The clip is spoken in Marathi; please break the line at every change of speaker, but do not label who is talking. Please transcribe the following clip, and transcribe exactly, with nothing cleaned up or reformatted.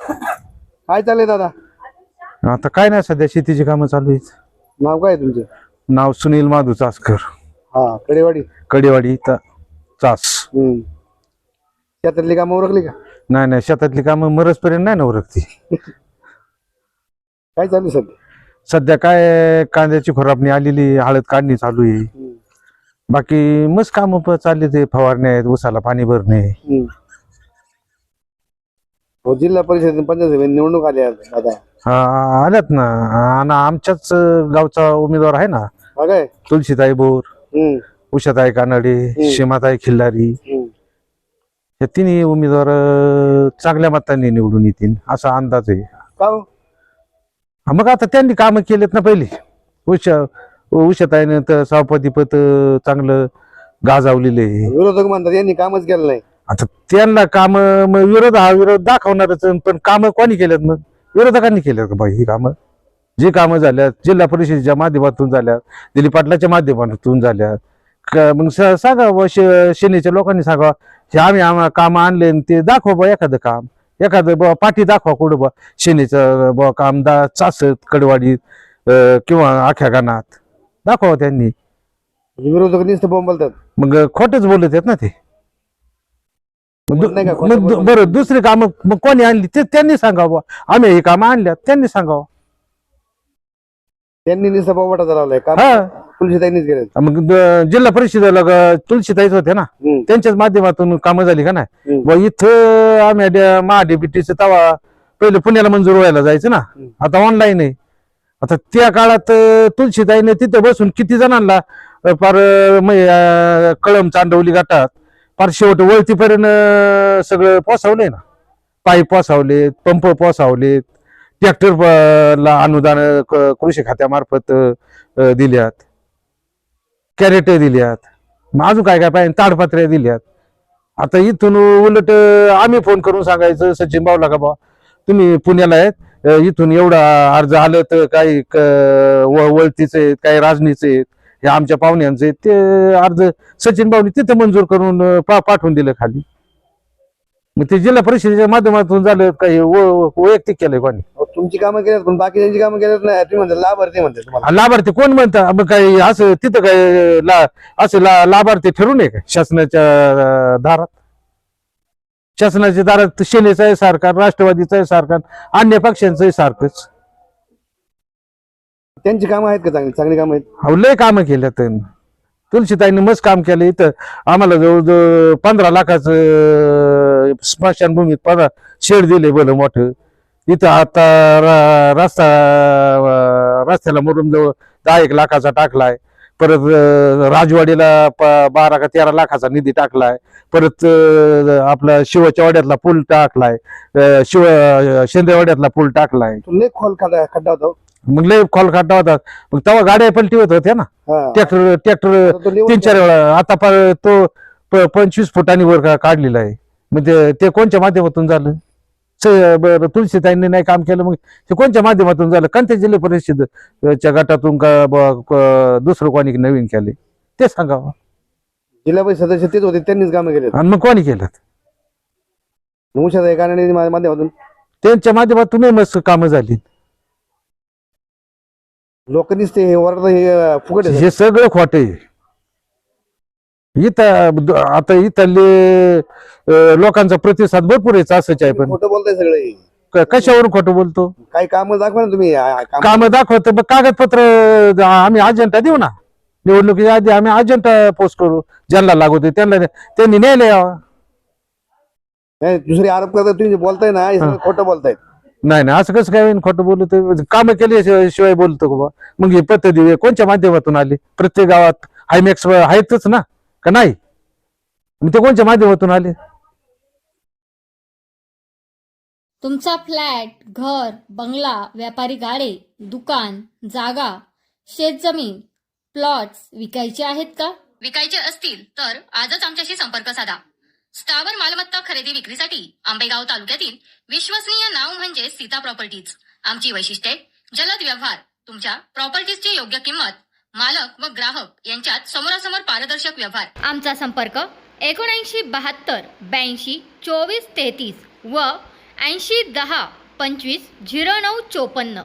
काय चाललंय दादा?
आता काय नाही, सध्या शेतीची कामं चालू आहेत.
नाव काय तुमचं?
नाव सुनील माधू चासकर,
हा, कडेवाडी.
कडेवाडी ता- चास.
हम्म. शेतातली कामं उरकली का?
नाही नाही, शेतातली कामं मरसपर्यंत नाही ना उरकती.
काय चालू सध्या?
सध्या काय कांद्याची खुरापणी आलेली, हळद काढणी चालू आहे.
हम्म.
बाकी मस्त काम चालले, ते फवारणे आहेत, उसाला पाणी भरणे.
हम्म. हो, जिल्हा परिषद पंचायत समिती निवडणूक आली आज दादा.
हा, आल्यात ना. आणि आमच्याच गावचा उमेदवार आहे ना,
हा काय?
तुलसीताई बोर,
हम्म.
उषाताई कानडे, सीमाताई खिल्लारी.
हम्म.
हे तिन्ही उमेदवार अं, चांगल्या मतांनी निवडून येतील असा अंदाज आहे.
का हो?
हा, मग आता त्यांनी कामं केलेत ना पहिली. उषा उषाताईनं तर सभापतीपद चांगलं गाजावलेले आहे.
विरोधक म्हणतात यांनी कामच केलं नाही.
आता त्यांना काम, विरोध हा विरोध दाखवणारच, पण कामं कोणी केल्यात? मग विरोधकांनी केल्यात का बाई ही कामं? जी कामं झाल्यात जिल्हा परिषदेच्या माध्यमातून झाल्यात, दिलीप पाटलाच्या माध्यमातून झाल्यात, क- मग स- सांगा बुवा, शे सेनेच्या लोकांनी सांगा हे आम्ही आम्हाला काम आणले, ते दाखवा बा एखादं काम, एखादं बा पाठी दाखवा कुठं बा सेनेचं बा काम दा चासत कडवाडीत अं, किंवा आख्या गाणात दाखवा त्यांनी.
विरोधक नुसतं बोंबलतात.
मग खोटच बोलत आहेत ना ते. मग दु-
नाही का खोटं
मग दु-
बोलत?
बरं, दुसरी कामं मग कोणी आणली ते त्यांनी सांगावं. आम्ही ही कामं आणल्यात त्यांनी सांगावं.
त्यांनी नुसतं बोंबाटा लावलाय काम.
हा,
तुलसीताईंनीच केलं.
मग द- जिल्हा परिषदेला ग- तुलसीताईच होते ना,
हम्म.
त्यांच्याच माध्यमातून कामं झाली का नाही?
हम्म.
व इथं आम्ही डे- महाडीबीटीचं तवा पहिले पुण्याला मंजूर व्हायला जायचं ना,
हम्म.
आता ऑनलाईन आहे. आता त्या काळात अं, तुलसीताईने तिथं बसून किती जणांना अं, फार अं, म्हणजे, अं, कळम चांदवली घाटात फार शेवट वळतीपर्यंत अं, सगळं पोसावलंय ना. पाईप पोसावलेत, पंप पोसावलेत, ट्रॅक्टर ला अनुदान क- कृषी खात्यामार्फत अं, दिल्यात, कॅरेट दिल्यात, मग अजून काय काय पाहिजे, ताडपत्र्या दिल्यात. आता इथून उलट अं, आम्ही फोन करून सांगायचं सचिन भाऊला का बा तुम्ही पुण्याला आहेत, अं, इथून एवढा अर्ज आलं तर काही क- व- वळतीचे आहेत, काही राजनीचे आहेत, हे आमच्या पाहुण्यांचे आहेत, ते अर्ज सचिन भाऊनी तिथं मंजूर करून अं, पा पाठवून दिलं खाली. मग ते जिल्हा परिषदेच्या माध्यमातून झालं काही व- वैयक्तिक केलंय कोणी?
अहो, तुमची कामं केल्यात पण बाकीच्यांची कामं केल्यात नाही. तुम्ही म्हणता लाभार्थी म्हणतात तुम्हाला.
आणि लाभार्थी कोण म्हणतं? मग काही असं तिथं काय ला असं ला लाभार्थी ठरून आहे का शासनाच्या अं, दारात? शासनाच्या दारात सेनेचं आहे सरकार, राष्ट्रवादीचं आहे सरकार, अन्य पक्षांचं आहे सारखंच.
त्यांची कामं आहेत का चांगली? चांगली कामं आहेत.
अहो, लय कामं केल्यात त्यांनी. तुलसीताईंनी मस्त काम केलं. इथं आम्हाला जवळजवळ पंधरा लाखाचं अं, स्मशानभूमीत पंधरा शेड दिले भलं मोठं. इथं आता र- रस्ता अं, रस्त्याला मरून जवळ दहा एक लाखाचा टाकलाय. परत अं, राजवाडीला प- बारा का तेरा लाखाचा निधी टाकलाय. परत अं, आपला शिवाच्या वाड्यातला पूल टाकलाय, अं, शिव शेंदेवाड्यातला पूल टाकलाय.
तो लय खोल खड्डा खड्डा होता.
मग लय खोल खड्डा होता. मग तेव्हा गाड्या पलटी होत होत्या ना.
हा.
ट्रॅक्टर ट्रॅक्टर
तो लेवल
तीन चार वेळा. आता प- तो प- पंचवीस फुटांनी वर का- काढलेला आहे. मग ते- ते कोणत्या माध्यमातून झालं? स- बरं, तुलसीताईंनी नाही काम केलं, मग ते कोणत्या माध्यमातून झालं? कोणत्या जिल्हा परिषदेच्या गटातून का ब- क- दुसरं कोणी नवीन केले ते सांगावं.
जिल्हा परिषद सदस्य तेच होते, त्यांनीच कामं केलेत.
आणि मग कोणी केलं?
उषाताई कानडे माध्यमातून
त्यांच्या माध्यमातून मस्त कामं झाली.
लोकांनीच ते हे ओरडतं, हे अं, फुकट आहे.
हे सगळं खोट आहे. इथं द- आता इथले अं, लोकांचा प्रतिसाद भरपूर आहे असंच आहे. पण
खोटं बोलताय सगळे.
क- कशावरून खोटं बोलतो?
काही कामं दाखवा ना तुम्ही. आ- काम-
काम दाखवतो, मग कागदपत्र द- आम्ही अजेंडा देऊ ना. निवडणुकीच्या आधी आम्ही अजेंडा पोस्ट करू, ज्यांना लागू त्यांना त्यांनी न्यायला यावं.
नाही, दुसरे आरोप करतात, तुम्ही जे बोलताय ना हे सगळं खोटं बोलताय.
नाही नाही, असं कसं काय होईन? खोटं बोलतो? कामं केल्याशिवाय बोलतो का बा? मग हे पद्धती कोणत्या माध्यमातून आली? प्रत्येक गावात हायमॅक्स आहेतच ना, का नाही? मग ते कोणत्या माध्यमातून आले?
तुमचा फ्लॅट, घर, बंगला, व्यापारी गाडे, दुकान, जागा, शेतजमीन, प्लॉट्स विकायचे आहेत का? विकायचे असतील तर आजच आमच्याशी संपर्क साधा. स्थावर मालमत्ता खरेदी विक्रीसाठी आंबेगाव तालुक्यातील विश्वसनीय नाव म्हणजे सीता प्रॉपर्टीज. आमची वैशिष्ट्ये: जलद व्यवहार, तुमच्या प्रॉपर्टीजची योग्य किंमत, मालक व ग्राहक यांच्यात समोरासमोर पारदर्शक व्यवहार. आमचा संपर्क एकोणऐंशी बहात्तर ब्याऐंशी चोवीस तेहतीस व ऐंशी दहा पंचवीस झिरो नऊ चोपन्न.